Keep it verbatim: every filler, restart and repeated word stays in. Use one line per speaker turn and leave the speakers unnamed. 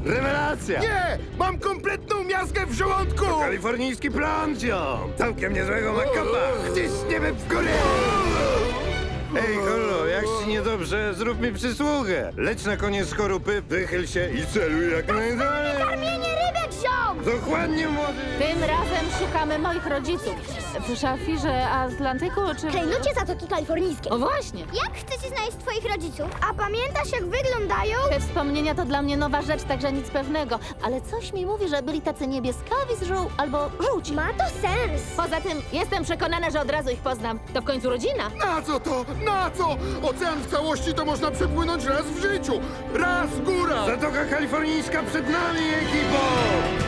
Rewelacja!
Nie! Mam kompletną miazgę w żołądku!
Kalifornijski plan, ziom! Całkiem niezłego makapa! Ciśniemy w górę! Ej, Holo, jak ci niedobrze, zrób mi przysługę. Leć na koniec skorupy, wychyl się i celuj jak najdalej.
Karmienie rybek, ziom!
Dokładnie, młody!
Tym razem szukamy moich rodziców. W szafirze Atlantyku, czy...
Klejnocie Zatoki Kalifornijskie.
O właśnie!
Jak chcecie znaleźć twoich rodziców? A pamiętasz, jak wyglądają?
Te wspomnienia to dla mnie nowa rzecz, także nic pewnego. Ale coś mi mówi, że byli tacy niebieskawi z żół albo żółci.
Ma to sens.
Poza tym jestem przekonana, że od razu ich poznam. To w końcu rodzina.
Na co to? Na co? Ocean w całości to można przepłynąć raz w życiu! Raz góra!
Zatoka Kalifornijska przed nami, ekipo!